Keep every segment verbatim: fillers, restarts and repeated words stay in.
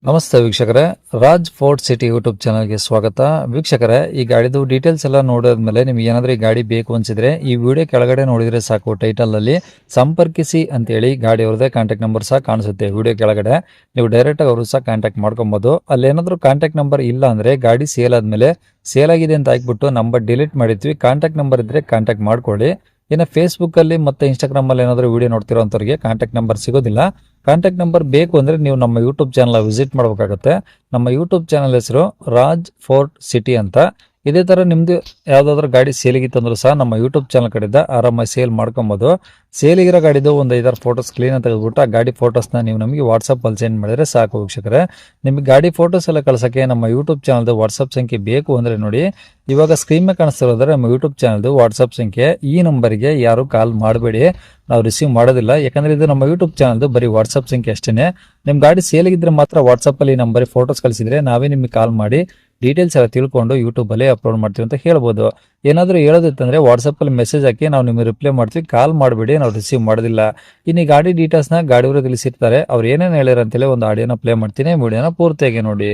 ನಮಸ್ತೆ ವೀಕ್ಷಕರೇ, Raj fort city YouTube ಚಾನಲ್ಗೆ ಸ್ವಾಗತ. ವೀಕ್ಷಕರೇ, ಈ ಗಾಡಿದು ಡೀಟೇಲ್ಸ್ ಎಲ್ಲ ನೋಡಿದ್ಮೇಲೆ ನಿಮ್ಗೆ ಏನಾದರೂ ಈ ಗಾಡಿ ಬೇಕು ಅನ್ಸಿದ್ರೆ ಈ ವಿಡಿಯೋ ಕೆಳಗಡೆ ನೋಡಿದ್ರೆ ಸಾಕು, ಟೈಟಲ್ ಅಲ್ಲಿ ಸಂಪರ್ಕಿಸಿ ಅಂತೇಳಿ ಗಾಡಿ ಅವ್ರದೇ ಕಾಂಟ್ಯಾಕ್ಟ್ ನಂಬರ್ ಸಹ ಕಾಣಿಸುತ್ತೆ. ವಿಡಿಯೋ ಕೆಳಗಡೆ ನೀವು ಡೈರೆಕ್ಟ್ ಆಗಿ ಅವರು ಸಹ ಕಾಂಟ್ಯಾಕ್ಟ್ ಮಾಡ್ಕೊಬಹುದು. ಅಲ್ಲಿ ಏನಾದರೂ ಕಾಂಟ್ಯಾಕ್ಟ್ ನಂಬರ್ ಇಲ್ಲ ಅಂದ್ರೆ ಗಾಡಿ ಸೇಲ್ ಆದ್ಮೇಲೆ ಸೇಲ್ ಆಗಿದೆ ಅಂತ ಹಾಕ್ಬಿಟ್ಟು ನಂಬರ್ ಡಿಲೀಟ್ ಮಾಡಿರ್ತೀವಿ. ಕಾಂಟ್ಯಾಕ್ಟ್ ನಂಬರ್ ಇದ್ರೆ ಕಾಂಟ್ಯಾಕ್ಟ್ ಮಾಡ್ಕೊಳ್ಳಿ. ಇನ್ನು ಫೇಸ್ಬುಕ್ ಅಲ್ಲಿ ಮತ್ತೆ ಇನ್ಸ್ಟಾಗ್ರಾಮ್ ಅಲ್ಲಿ ಏನಾದರೂ ವಿಡಿಯೋ ನೋಡ್ತಿರೋಂಥವ್ರಿಗೆ ಕಾಂಟ್ಯಾಕ್ಟ್ ನಂಬರ್ ಸಿಗೋದಿಲ್ಲ. ಕಾಂಟ್ಯಾಕ್ಟ್ ನಂಬರ್ ಬೇಕು ಅಂದ್ರೆ ನೀವು ನಮ್ಮ ಯೂಟ್ಯೂಬ್ ಚಾನಲ್ ವಿಸಿಟ್ ಮಾಡಬೇಕಾಗುತ್ತೆ. ನಮ್ಮ ಯೂಟ್ಯೂಬ್ ಚಾನಲ್ ಹೆಸರು ರಾಜ್ ಫೋರ್ಟ್ ಸಿಟಿ ಅಂತ. ಇದೇ ತರ ನಿಮ್ದು ಯಾವ್ದಾದ್ರು ಗಾಡಿ ಸೇಲಿಗಿತ್ತು ಅಂದ್ರೂ ಸಹ ನಮ್ಮ ಯೂಟ್ಯೂಬ್ ಚಾನಲ್ ಕಡೆಯಿಂದ ಆರಾಮಾಗಿ ಸೇಲ್ ಮಾಡ್ಕೊಬಹುದು. ಸೇಲಿಗಿರೋ ಗಾಡಿದು ಒಂದು ಐದಾರು ಫೋಟೋಸ್ ಕ್ಲೀನ್ ತೆಗೆದುಬಿಟ್ಟು ಆ ಗಾಡಿ ಫೋಟೋಸ್ನ ನೀವು ನಮಗೆ ವಾಟ್ಸಪ್ ಅಲ್ಲಿ ಸೆಂಡ್ ಮಾಡಿದ್ರೆ ಸಾಕು ವೀಕ್ಷಕರೇ. ನಿಮಗೆ ಗಾಡಿ ಫೋಟೋಸ್ ಎಲ್ಲ ಕಳ್ಸಕ್ಕೆ ನಮ್ಮ ಯೂಟ್ಯೂಬ್ ಚಾನಲ್ದು ವಾಟ್ಸಪ್ ಸಂಖ್ಯೆ ಬೇಕು ಅಂದ್ರೆ ನೋಡಿ, ಇವಾಗ ಸ್ಕ್ರೀನ್ ಮೇಲೆ ಕಾಣಿಸ್ತಿರೋದ್ರೆ ನಮ್ಮ ಯೂಟ್ಯೂಬ್ ಚಾನಲ್ದು ವಾಟ್ಸಪ್ ಸಂಖ್ಯೆ. ಈ ನಂಬರ್ಗೆ ಯಾರು ಕಾಲ್ ಮಾಡಬೇಡಿ, ನಾವು ರಿಸೀವ್ ಮಾಡೋದಿಲ್ಲ. ಯಾಕಂದ್ರೆ ಇದು ನಮ್ಮ ಯೂಟ್ಯೂಬ್ ಚಾನಲ್ದು ಬರೀ ವಾಟ್ಸಪ್ ಸಂಖ್ಯೆ ಅಷ್ಟೇನೆ. ನಿಮ್ ಗಾಡಿ ಸೇಲಿಗಿದ್ರೆ ಮಾತ್ರ ವಾಟ್ಸಪ್ ಅಲ್ಲಿ ನಂಬರ್ ಫೋಟೋಸ್ ಕಳಿಸಿದ್ರೆ ನಾವೇ ನಿಮಗೆ ಕಾಲ್ ಮಾಡಿ ಡೀಟೇಲ್ಸ್ ಎಲ್ಲ ತಿಳ್ಕೊಂಡು ಯೂಟ್ಯೂಬ್ ಅಲ್ಲಿ ಅಪ್ಲೋಡ್ ಮಾಡ್ತೀವಿ ಅಂತ ಹೇಳ್ಬೋದು. ಏನಾದರೂ ಹೇಳೋದಿತ್ತಂದ್ರೆ ವಾಟ್ಸಪ್ ಅಲ್ಲಿ ಮೆಸೇಜ್ ಹಾಕಿ ನಾವು ನಿಮಗೆ ರಿಪ್ಲೈ ಮಾಡ್ತೀವಿ. ಕಾಲ್ ಮಾಡಬೇಡಿ, ನಾವು ರಿಸೀವ್ ಮಾಡೋದಿಲ್ಲ. ಇನ್ನು ಈ ಗಾಡಿ ಡೀಟೇಲ್ಸ್ ನ ಗಾಡಿಯವರು ತಿಳಿಸಿರ್ತಾರೆ, ಅವ್ರು ಏನೇನು ಹೇಳಿರ ಅಂತೇಳಿ ಒಂದು ಆಡಿಯೋನ ಪ್ಲೇ ಮಾಡ್ತೀನಿ. ವಿಡಿಯೋನ ಪೂರ್ತಿಯಾಗಿ ನೋಡಿ.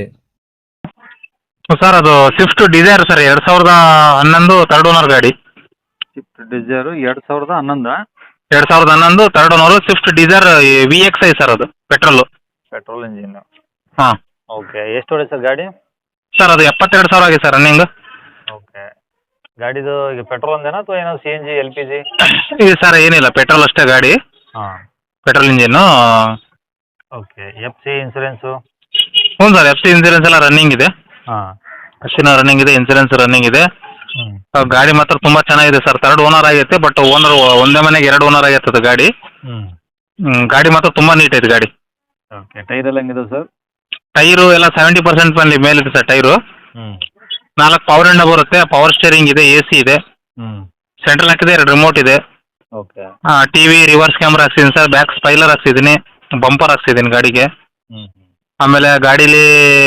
ಸರ್, ಅದು ಸ್ವಿಫ್ಟ್ ಡಿಸೈರ್ ಸರ್, ಎರಡ್ ಸಾವಿರದ ಹನ್ನೊಂದು ಥರ್ಡ್ ಓನರ್ ಗಾಡಿ. ಸ್ವಿಫ್ಟ್ ಡಿಸೈರ್ ಎರಡ್ ಸಾವಿರದ ಹನ್ನೊಂದು ಎರಡ್ ಸಾವಿರದ ಹನ್ನೊಂದು third owner Swift Dzire V X I sir, ಅದು ಪೆಟ್ರೋಲ್. Petrol engine. ಹಾಂ ಓಕೆ, ಎಷ್ಟು ಹೊಡೆ ಸರ್ ಗಾಡಿ? ಸರ್, ಅದು ಎಪ್ಪತ್ತೆರಡು ಸಾವಿರ ಆಗಿದೆ ಸರ್ ರನ್ನಿಂಗ್. ಓಕೆ, ಗಾಡಿದು ಈಗ ಪೆಟ್ರೋಲ್ ಒಂದೇನಾ ಅಥವಾ ಏನೋ C N G L P G? ಇದು ಸರ್ ಏನಿಲ್ಲ, ಪೆಟ್ರೋಲ್ ಅಷ್ಟೇ ಗಾಡಿ, ಹಾಂ. Petrol engine. Okay, F C insurance? ಹ್ಞೂ ಸರ್, ಎಫ್ ಸಿ ಇನ್ಸೂರೆನ್ಸ್ ಎಲ್ಲ ರನ್ನಿಂಗ್ ಇದೆ. ಹಾಂ. ಅಷ್ಟಿನ ರನ್ನಿಂಗ್ ಇದೆ, ಇನ್ಸೂರೆನ್ಸ್ ರನ್ನಿಂಗ್ ಇದೆ. ಹ್ಞೂ. ಆ, ಗಾಡಿ ಮಾತ್ರ ತುಂಬಾ ಚೆನ್ನಾಗಿದೆ ಸರ್. ಥರ್ಡ್ ಓನರ್ ಆಗೈತೆ, ಬಟ್ ಓನರ್ ಒಂದೇ ಮನೆಗೆ ಎರಡು ಓನರ್ ಆಗೈತೆ ಗಾಡಿ. ಹ್ಞೂ. ಹ್ಮ್, ಗಾಡಿ ಮಾತ್ರ ತುಂಬಾ ನೀಟ್ ಐತೆ ಗಾಡಿ. ಓಕೆ, ಟೈರ್ ಎಲ್ಲ ಹೆಂಗಿದೆ ಸರ್? ಟೈರು ಎಲ್ಲ ಸೆವೆಂಟಿ ಪರ್ಸೆಂಟ್ ಮೇಲೆ ಮೇಲಿದೆ ಸರ್ ಟೈರು. ಹ್ಞೂ. ನಾಲ್ಕು ಪವರ್ ವಿಂಡೋ ಬರುತ್ತೆ, ಪವರ್ ಸ್ಟೇರಿಂಗ್ ಇದೆ, ಎ ಸಿ ಇದೆ, ಹ್ಞೂ. ಸೆಂಟ್ರಲ್ ಹಾಕಿದೆ, ಎರಡು ರಿಮೋಟ್ ಇದೆ. ಓಕೆ. ಟಿವಿ ರಿವರ್ಸ್ ಕ್ಯಾಮ್ರಾ ಹಾಕ್ಸಿದ್ದೀನಿ ಸರ್, ಬ್ಯಾಕ್ ಸ್ಪೈಲರ್ ಹಾಕ್ಸಿದ್ದೀನಿ, ಬಂಪರ್ ಹಾಕ್ಸಿದ್ದೀನಿ ಗಾಡಿಗೆ. ಹ್ಞೂ. ಆಮೇಲೆ ಗಾಡೀಲಿ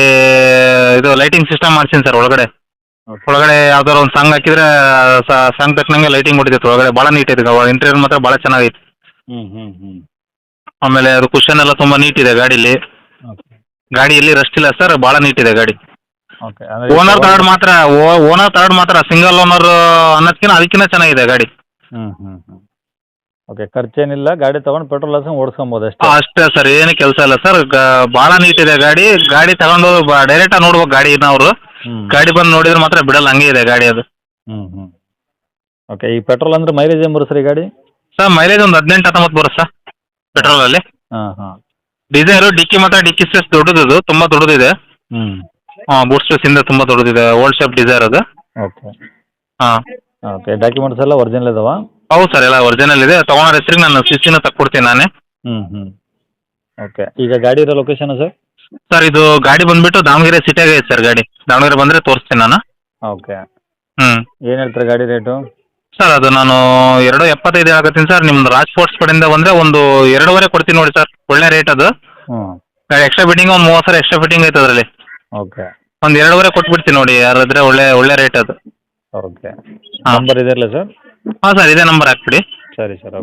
ಇದು ಲೈಟಿಂಗ್ ಸಿಸ್ಟಮ್ ಮಾಡ್ಸಿದ್ದೀನಿ ಸರ್ ಒಳಗಡೆ. ಓಕೆ. ಒಳಗಡೆ ಯಾವ್ದಾರು ಒಂದು ಸಾಂಗ್ ಹಾಕಿದ್ರೆ ಸಾಂಗ್ ತಕ್ಕನಂಗೆ ಲೈಟಿಂಗ್ ಹೊಡಿತೈತೆ ಒಳಗಡೆ. ಭಾಳ ನೀಟ್ ಐತೆ, ಇಂಟೀರಿಯರ್ ಮಾತ್ರ ಭಾಳ ಚೆನ್ನಾಗೈತೆ. ಹ್ಞೂ ಹ್ಞೂ ಹ್ಞೂ. ಆಮೇಲೆ ಅದು ಕುಷನ್ ಎಲ್ಲ ತುಂಬ ನೀಟ್ ಇದೆ ಗಾಡೀಲಿ. ಓಕೆ. ಗಾಡಿಯಲ್ಲಿ ರಸ್ಟ್ ಇಲ್ಲ ಸರ್, ಭಾಳ ನೀಟ್ ಇದೆ ಗಾಡಿ. ಓಕೆ, ಅಂದರೆ ಓನರ್ ಥರ್ಡ್ ಮಾತ್ರ ಓನರ್ ಥರ್ಡ್ ಮಾತ್ರ ಸಿಂಗಲ್ ಓನರ್ ಅನ್ನೋದಕ್ಕಿಂತ ಅದಕ್ಕಿಂತ ಚೆನ್ನಾಗಿದೆ ಗಾಡಿ. ಹ್ಞೂ ಹ್ಞೂ ಹ್ಞೂ. ಓಕೆ, ಖರ್ಚೇನಿಲ್ಲ, ಗಾಡಿ ತೊಗೊಂಡು ಪೆಟ್ರೋಲ್ ಹಾಕ್ಸ್ಕೊಂಡು ಓಡಿಸ್ಕೊಬೋದು ಅಷ್ಟೇ. ಅಷ್ಟೇ ಸರ್, ಏನು ಕೆಲಸ ಇಲ್ಲ ಸರ್. ಭಾಳ ನೀಟ್ ಇದೆ ಗಾಡಿ. ಗಾಡಿ ತಗೊಂಡು ಡೈರೆಕ್ಟ್ ಆಗಿ ನೋಡ್ಬೇಕು ಗಾಡಿನ ಅವರು. ಹ್ಞೂ. ಗಾಡಿ ಬಂದು ನೋಡಿದ್ರೆ ಮಾತ್ರ ಬಿಡಲ್ಲ, ಹಂಗೆ ಇದೆ ಗಾಡಿ ಅದು. ಹ್ಞೂ ಹ್ಞೂ. ಓಕೆ, ಈ ಪೆಟ್ರೋಲ್ ಅಂದರೆ ಮೈಲೇಜ್ ಏನು ಬರುತ್ತೆ ಸರ್ ಈ ಗಾಡಿ? ಸರ್, ಮೈಲೇಜ್ ಒಂದು ಹದಿನೆಂಟು ಹತ್ತೊಂಬತ್ತು ಬರುತ್ತೆ ಸರ್ ಪೆಟ್ರೋಲಲ್ಲಿ. ಹಾಂ ಹಾಂ. ಡಿಸೈರು ಡಿಕ್ಕಿ ಮಾತ್ರ ಡಿಕ್ಕಿ ಸ್ಪೇಸ್ ದೊಡ್ಡದು, ತುಂಬ ದೊಡ್ಡದಿದೆ. ಹ್ಞೂ. ಹಾಂ, ಬೂಟ್ ಸ್ಪೇಸ್ ಇಂದ ತುಂಬ ದೊಡ್ಡದಿದೆ, ಓಲ್ಡ್ ಶೇಪ್ ಡಿಸೈರ್ ಅದು. ಓಕೆ. ಹಾಂ. ಓಕೆ, ಡಾಕ್ಯುಮೆಂಟ್ಸ್ ಎಲ್ಲ ಒರಿಜಿನಲ್ ಇದಾವ? ಹೌದು ಸರ್, ಎಲ್ಲ ಒರಿಜಿನಲ್ ಇದೆ. ತೊಗೊಂಡ್ರ ಹೆಸರಿಗೆ ನಾನು ಸಿಸಿನ ತಕ್ಕೊಡ್ತೀನಿ ನಾನೇ. ಹ್ಞೂ ಹ್ಞೂ. ಓಕೆ, ಈಗ ಗಾಡಿ ಇರೋ ಲೊಕೇಶನ್ ಸರ್? ಸರ್, ಇದು ಗಾಡಿ ಬಂದುಬಿಟ್ಟು ದಾವಣಗೆರೆ ಸಿಟಿಯಾಗೆ ಐತೆ ಸರ್ ಗಾಡಿ. ದಾವಣಗೆರೆ ಬಂದರೆ ತೋರಿಸ್ತೀನಿ ನಾನು. ಓಕೆ. ಹ್ಞೂ. ಏನು ಹೇಳ್ತಾರೆ ಗಾಡಿ ರೇಟು? ಸರ್, ಅದು ನಾನು ಎರಡು ಎಪ್ಪತ್ತೈದು ಆಗತ್ತೀನಿ ಸರ್. ನಿಮ್ದು ರಾಜ್ ಸ್ಪೋರ್ಟ್ಸ್ ಕಡೆಯಿಂದ ಬಂದರೆ ಒಂದು ಎರಡೂವರೆ ಕೊಡ್ತೀನಿ ನೋಡಿ ಸರ್, ಒಳ್ಳೆ ರೇಟ್ ಅದು. ಹ್ಞೂ. ಎಕ್ಸ್ಟ್ರಾ ಫಿಟ್ಟಿಂಗ್ ಒಂದು ಮೂವತ್ತು ಸಾವಿರ ಎಕ್ಸ್ಟ್ರಾ ಫಿಟ್ಟಿಂಗ್ ಐತೆ ಅದರಲ್ಲಿ. ಓಕೆ. ಒಂದು ಎರಡೂವರೆ ಕೊಟ್ಬಿಡ್ತೀನಿ ನೋಡಿ, ಯಾರಾದ್ರೆ ಒಳ್ಳೆ ಒಳ್ಳೆ ರೇಟ್ ಅದು. ಓಕೆ. ಹಾಂ. ನಂಬರ್ ಇದೆಯಲ್ಲ ಸರ್? ಹಾಂ ಸರ್, ಇದೇ ನಂಬರ್ ಹಾಕ್ಬಿಡಿ. ಸರಿ ಸರ್.